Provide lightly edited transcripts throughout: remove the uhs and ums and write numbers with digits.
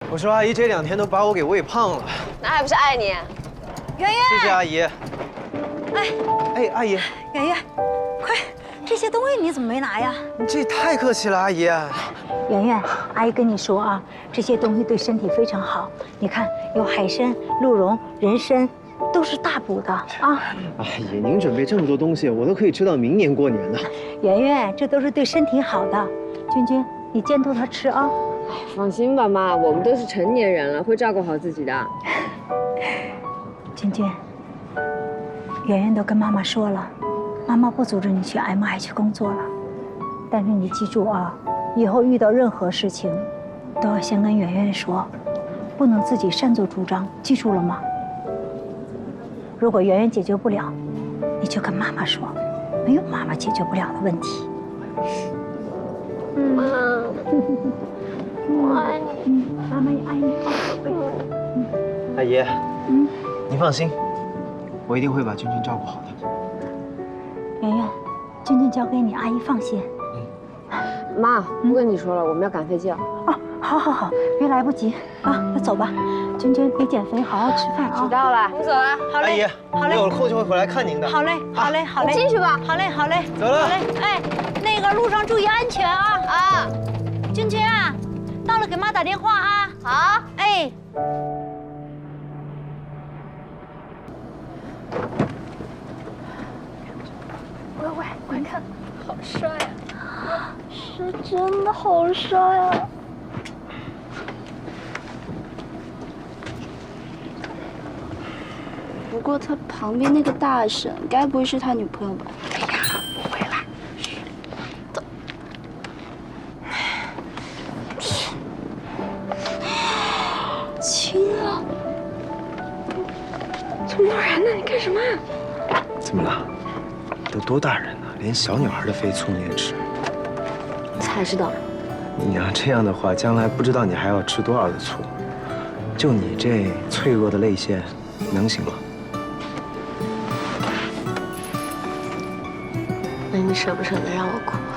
我说阿姨这2天都把我给喂胖了， 那还不是爱你？ 圆圆， 谢谢阿姨。哎，阿姨， 圆圆，快，这些东西你怎么没拿呀？ 你这太客气了，阿姨。 圆圆，阿姨跟你说啊，这些东西对身体非常好。你看，有海参、鹿茸、人参，都是大补的啊。 阿姨，您准备这么多东西，我都可以吃到明年过年呢。 圆圆，这都是对身体好的。君君，你监督他吃啊。 放心吧，妈，我们都是成年人了，会照顾好自己的。 君君，圆圆都跟妈妈说了，妈妈不阻止你去 MI 去工作了，但是你记住啊，以后遇到任何事情，都要先跟圆圆说，不能自己擅作主张，记住了吗？如果圆圆解决不了，你就跟妈妈说，没有妈妈解决不了的问题。 妈，我爱你。 妈妈也爱你。 阿姨，您放心，我一定会把君君照顾好的。 圆圆，君君交给你，阿姨放心。 妈，不跟你说了，我们要赶飞机了。 哦，好，别来不及啊，那走吧。君君，别减肥，好好吃饭啊。 知道了，我们走了。 好嘞， 阿姨，我有空就会回来看您的。 好嘞。 你进去吧。 好嘞。 走了。 好嘞，哎，那个路上注意安全啊。 啊， 君君啊，到了给妈打电话啊。 好。 哎。 喂，快看，好帅啊！是真的好帅啊！不过他旁边那个大婶，该不会是他女朋友吧？哎呀，不会啦。走。亲了？这么然呢？你干什么？ 怎么了？都多大人了，连小女孩的肥醋你也吃？ 才知道。 你要这样的话，将来不知道你还要吃多少的醋。就你这脆弱的泪腺，能行吗？ 那你舍不舍得让我哭啊？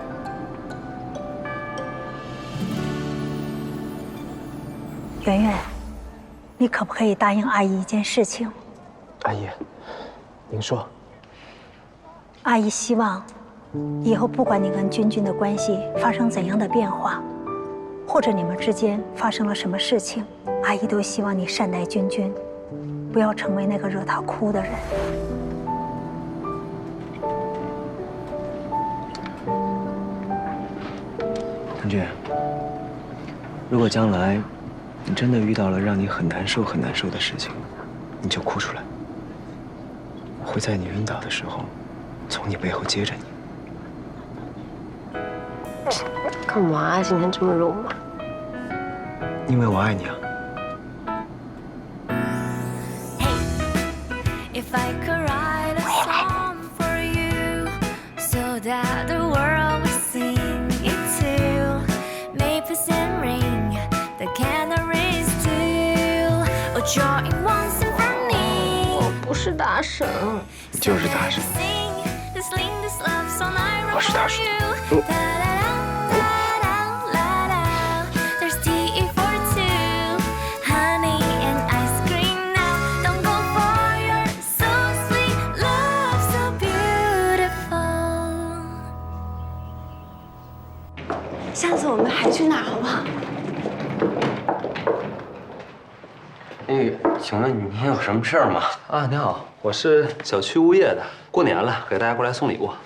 圆圆，你可不可以答应阿姨一件事情？ 阿姨，您说。 阿姨希望，以后不管你跟君君的关系发生怎样的变化，或者你们之间发生了什么事情，阿姨都希望你善待君君，不要成为那个惹她哭的人。 君君，如果将来你真的遇到了让你很难受的事情，你就哭出来，我会在你晕倒的时候，从你背后接着你。 干嘛今天这么肉麻？ 因为我爱你啊。 我不是大婶， 你就是大婶。我是大叔。 下次我们还去哪儿好不好？ 哎，请问您有什么事儿吗？ 啊，您好，我是小区物业的，过年了，给大家过来送礼物。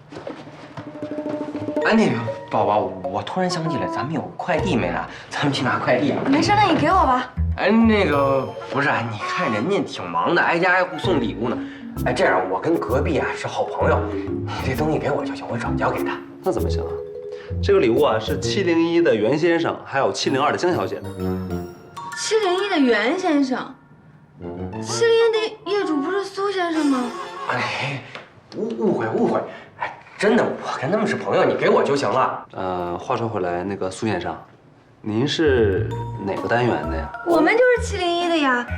哎，那个宝宝，我突然想起来，咱们有快递没拿，咱们去拿快递啊。 没事，那你给我吧。 哎，那个不是，你看人家挺忙的，挨家挨户送礼物呢。哎，这样我跟隔壁啊是好朋友，你这东西给我就行，我转交给他。 那怎么行啊？这个礼物啊是701的袁先生，还有702的江小姐的。 701的袁先生，701的业主不是苏先生吗？ 哎，误会。哎，真的，我跟他们是朋友，你给我就行了。 话说回来，那个苏先生，您是哪个单元的呀？ 我们就是701的呀。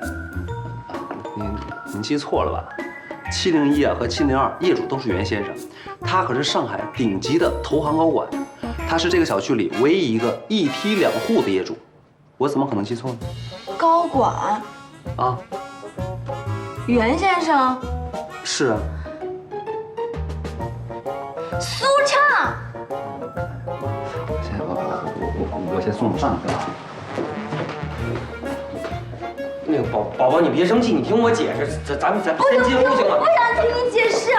您记错了吧？701啊和702业主都是袁先生，他可是上海顶级的投行高管，他是这个小区里唯一一个1梯2户的业主。 我怎么可能记错呢？ 高管啊， 袁先生， 是啊。 苏畅。 我先送你上去啊。 那个宝宝，你别生气，你听我解释，咱先进屋行吗？ 不想听你解释。